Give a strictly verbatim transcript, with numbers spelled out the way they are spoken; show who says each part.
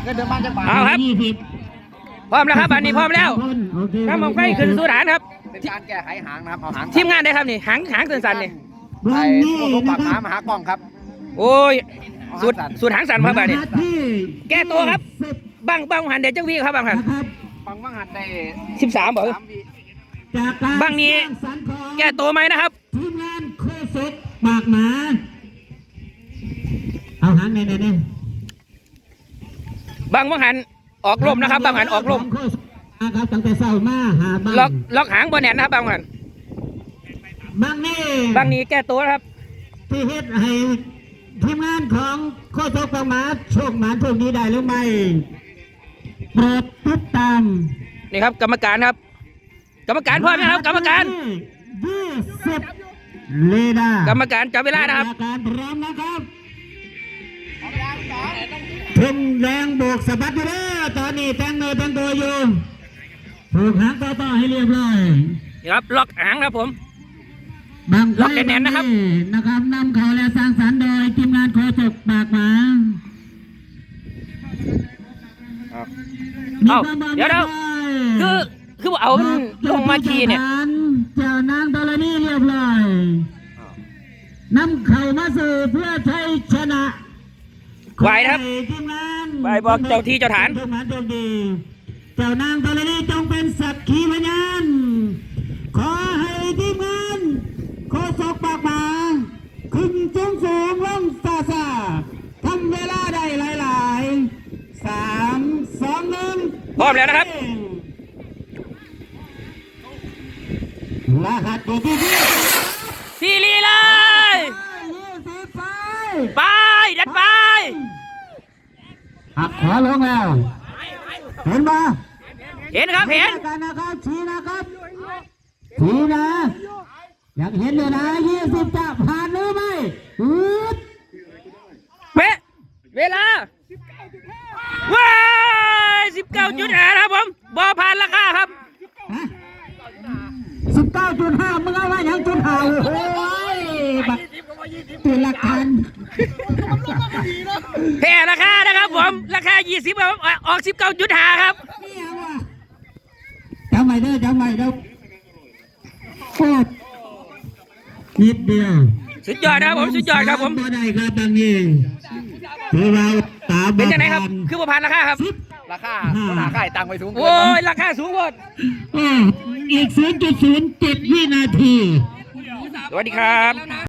Speaker 1: เงินเดือนบ้านจังหวัด
Speaker 2: เอาครับพร้อมแล้วครับอันนี้พร้อมแล้วน้ำมันไฟขึ้นสู่ฐานครับ
Speaker 1: เป็นการแก้ไขหางนะครับเอาหาง
Speaker 2: ทีมงานได้ครับนี่หางหางสั้นๆนี่
Speaker 1: ไอ้ตัวปากหมามหากล้องครับ
Speaker 2: โอ้ยสูตรสูตรหางสั้นครับอันนี้แก้ตัวครับบังบังหันเดี๋ยวเจ้าวิ่งครับบังหัน
Speaker 1: ฟังว่างหัดได้
Speaker 2: สิบสามบอกบังนี้แก้ตัวไหมนะครับ
Speaker 3: ทีมงานโคศกปากหมาเอาหางในในใน
Speaker 2: บังบังหันออกลมนะครับบังหันออกลม
Speaker 3: นะครับตั้งแต่เช้ามาหาบัง
Speaker 2: ล็อกล็อกหางบนแหนนะครับบังหัน
Speaker 3: บังนี่
Speaker 2: บังนี้แก้ตัวครับ
Speaker 3: ที่เฮ็ดให้ทีมงานของโคศกปากหมาโชคหมาโชคดีได้หรือไม่โปรดติดตาม
Speaker 2: นี่ครับกรรมการครับ กรรมการพร้อมนะครับ กรรมการ
Speaker 3: ยี่สิบเลดาก
Speaker 2: รรมการจับเวลานะครับ
Speaker 3: กรรมการพร้อมนะครับทุ่มแรงโบกสะบัดอยู่เด้อตอนนี้แต่งเนื้อแต่งตัวอยู่ผูกหางต่อต่อให้เรียบร้อย
Speaker 2: นี่ครับล็อกหางครับผม
Speaker 3: บาง
Speaker 2: ล็อกแน่นๆนะครับ
Speaker 3: นะครับนำเขาและสร้างสรรค์โดยทีมงานโคศกปากหมา
Speaker 2: เอาเดี๋ยวเดี๋ยวคือคือเอามันลงมาขี่เนี่ย
Speaker 3: เจ้านางตอลนี่เรียบร้อยนำเข่ามาสู่เพื่อใช้ชนะ
Speaker 2: ไหวนะครับ
Speaker 3: ทีมงาน
Speaker 2: ไหวบอกเจ้าที่เจ้าฐาน
Speaker 3: ทีมงานโชคดีเจ้านางตอลนี่จงเป็นสักขีพยานขอให้ทีมงานโคศกปากหมาขึ้นสูงสูงลงซาซาทำเวลาได้หลายๆสามสองหนึ่ง
Speaker 2: พร้อมแล้วนะครับ
Speaker 3: รหัสตัวที่ที่
Speaker 2: ซีรีเลย
Speaker 3: ยี่สิบไป
Speaker 2: ไปดันไป
Speaker 3: หักขวาลงแล้วเห็นปะ
Speaker 2: เห็นครับเห็น
Speaker 3: กันนะครับชี้นะครับชี้นะอยากเห็นเลยนะยี่สิบจะผ่านหรือไม่อืด
Speaker 2: เป๊ะเวลาว้ายสิบเก้าจุดห้าครับผมบอผ่านราคาครับ
Speaker 3: สิบเก้าจุดห้ามึงเอาไว้ยังจุดห้าโอ้ยบักตัวละกัน
Speaker 2: แพ้ราคานะครับผมราคายี่สิบครับออกสิบเก้าจุดห้าครับ
Speaker 3: จำไว้เด้อจำไว้เด้อโคตรนิดเดียว
Speaker 2: สุดยอดนะครับผมสุดยอดครับผม
Speaker 3: บ่ได้ครับบางทีถือเราตา
Speaker 2: เป็นยังไงครับคือบ่ผ่านราคาครับ
Speaker 1: ราคาราคาตังไปสูง
Speaker 2: โอ้ยราคาสูงหมด
Speaker 3: อีก ศูนย์จุดศูนย์เจ็ด วินาที
Speaker 2: สวัสดีครับ